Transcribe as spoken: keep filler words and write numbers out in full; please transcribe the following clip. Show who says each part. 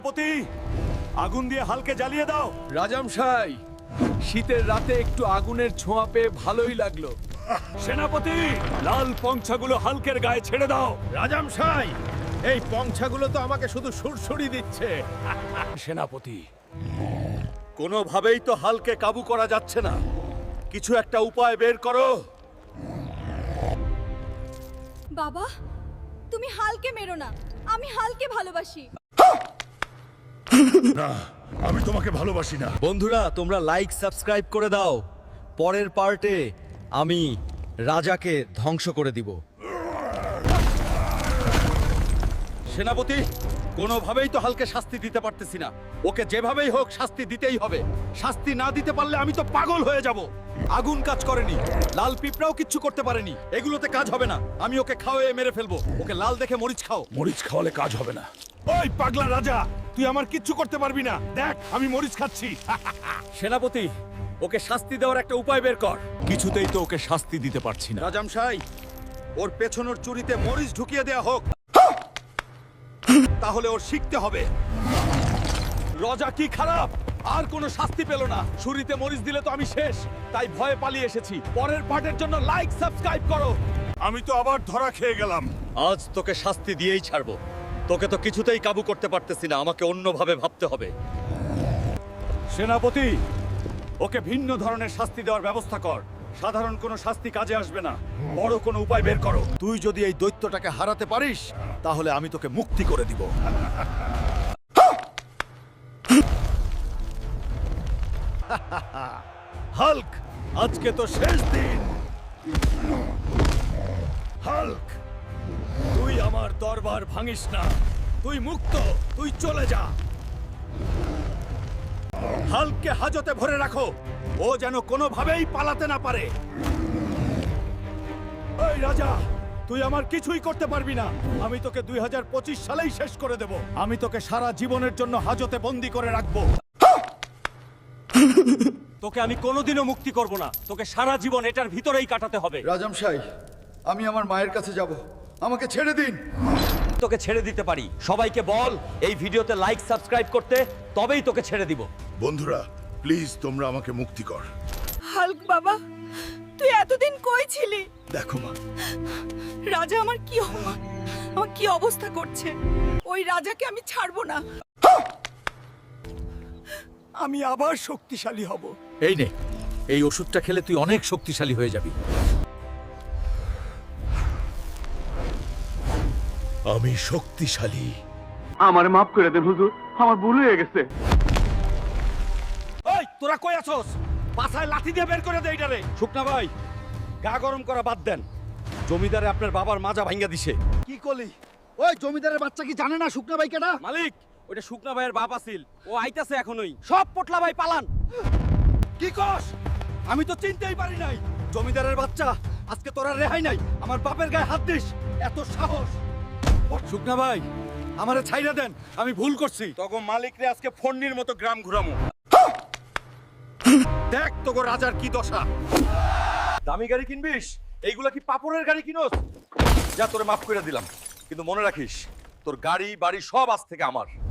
Speaker 1: পতি আগুন দিয়ে হালকে জ্বালিয়ে দাও।
Speaker 2: রাজামশাই, শীতের রাতে একটু আগুনের ছোঁয়া পেয়ে ভালোই লাগলো।
Speaker 1: সেনাপতি লাল পঞ্ছাগুলো হালকের গায়ে ছেড়ে দাও।
Speaker 3: রাজামশাই, এই পঞ্ছাগুলো তো আমাকে শুধু সুরসুরি দিচ্ছে।
Speaker 1: সেনাপতি কোনোভাবেই তো হালকে কাবু করা যাচ্ছে না, কিছু একটা উপায় বের করো।
Speaker 4: বাবা, তুমি হালকে মেরো না, আমি হালকে ভালোবাসি।
Speaker 1: না, আমি তোমাকে ভালোবাসি না।
Speaker 5: বন্ধুরা, তোমরা লাইক সাবস্ক্রাইব করে দাও। পরের পার্টে আমি রাজাকে ধ্বংস করে দিব।
Speaker 1: সেনাপতি কোনোভাবেই তো হালকে শাস্তি দিতে পারতেছি না, ওকে যেভাবেই হোক শাস্তি দিতেই হবে। শাস্তি না দিতে পারলে আমি তো পাগল হয়ে যাব। আগুন কাজ করেনি, লাল পিঁপড়াও কিচ্ছু করতে পারেনি, এগুলোতে কাজ হবে না। আমি ওকে খাওয়ায়ে মেরে ফেলবো। ওকে লাল দেখে মরিচ খাও।
Speaker 3: মরিচ খাওয়ালে কাজ হবে না।
Speaker 1: ওই পাগলা রাজা, তুই আমার কিচ্ছু করতে পারবি না। দেখ আমি মরিচ খাচ্ছি। সেনাপতি ওকে শাস্তি দেওয়ার একটা উপায় বের কর। কিছুতেই তো ওকে শাস্তি দিতে পারছি না। রাজামশাই, ওর পেছনের চুরিতে মরিচ ঢুকিয়ে দেয়া হোক, তাহলে ওর শিখতে হবে। রাজা কি খারাপ, আর কোনো শাস্তি পেল না। ছুরিতে মরিচ দিলে তো আমি শেষ, তাই ভয়ে পালিয়ে এসেছি। পরের পার্টের জন্য লাইক সাবস্ক্রাইব করো। আমি তো আবার ধরা খেয়ে গেলাম।
Speaker 5: আজ তোকে শাস্তি দিয়েই ছাড়বো। তোকে তো কিছুতেই কাবু করতে পারতেছি না, আমাকে অন্যভাবে ভাবতে হবে।
Speaker 1: সেনাপতি ওকে ভিন্ন ধরনের শাস্তি দেওয়ার ব্যবস্থা কর। সাধারণ কোনো শাস্তি কাজে আসবে না, বড় কোনো উপায় বের করো। তুই যদি এই দৈত্যটাকে হারাতে পারিস তাহলে আমি তোকে মুক্তি করে দিব। হাল্ক, আজকে তো শেষ দিন। হাল্ক, তুই আমার দরবার ভাঙিস না। তুই মুক্ত, তুই চলে যা। হাল্ককে হাজতে ভরে রাখো, ও যেন কোনোভাবেই পালাতে না পারে। এই রাজা, তুই আমার কিছুই করতে পারবি না। আমি তোকে দুই হাজার পঁচিশ সালেই শেষ করে দেব। আমি তোকে সারা জীবনের জন্য হাজতে বন্দি করে রাখবো। তোকে আমি কোনোদিনও মুক্তি করব না। তোকে সারা জীবন এটার ভিতরেই কাটাতে হবে।
Speaker 6: রাজামশাই, আমি আমার মায়ের কাছে যাব, আমাকে ছেড়ে দিন।
Speaker 5: তোকে ছেড়ে দিতে পারি। সবাইকে বল এই ভিডিওতে লাইক সাবস্ক্রাইব করতে, তবেই তোকে ছেড়ে দিব।
Speaker 3: বন্ধুরা প্লিজ, তোমরা আমাকে মুক্তি কর।
Speaker 4: হাল্ক বাবা, তুই এতদিন কই ছিলি?
Speaker 1: দেখো মা,
Speaker 4: রাজা আমার কি অপমান, আমার কি অবস্থা করছে। ওই রাজাকে আমি ছাড়বো না।
Speaker 1: আমি আবার শক্তিশালী হব।
Speaker 2: এই নে, এই ওষুধটা খেলে তুই অনেক শক্তিশালী হয়ে যাবি।
Speaker 1: আমি শক্তিশালী।
Speaker 7: আমার মাফ করে দেন হুজুর, আমার ভুল হয়ে গেছে।
Speaker 1: ওই তোরা কই আছস? পাছায় লাঠি দিয়ে বের করে দে এইটারে। শুকনা ভাই, গা গরম করা বাদ দেন। জমিদারে আপনার বাবার মাজা ভাঙ্গা দিছে।
Speaker 6: কি করলি? ওই জমিদারের বাচ্চা কি জানে না শুকনা ভাই কেডা?
Speaker 1: মালিক, ওটা শুকনা ভাইয়ের বাপ আছিল, ও আইতাছে এখনই। সব পটলা ভাই পালান। কি কস? আমি তো চিনতেই পারি নাই। জমিদারের বাচ্চা, আজকে তোরা রেহাই নাই। আমার বাপের গায়ে হাত দিস, এত সাহস? শুকনা ভাই, আমারে ছাইরা দেন, আমি ভুল করছি। তখন মালিকরে আজকে ফন্নির মতো গ্রাম ঘুরামু। দেখ তোগো রাজার কি দশা। দামি গাড়ি কিনবিস? এইগুলা কি পাপড়ের গাড়ি কিনোস? যা, তোরে মাফ করে দিলাম, কিন্তু মনে রাখিস তোর গাড়ি বাড়ি সব আজ থেকে আমার।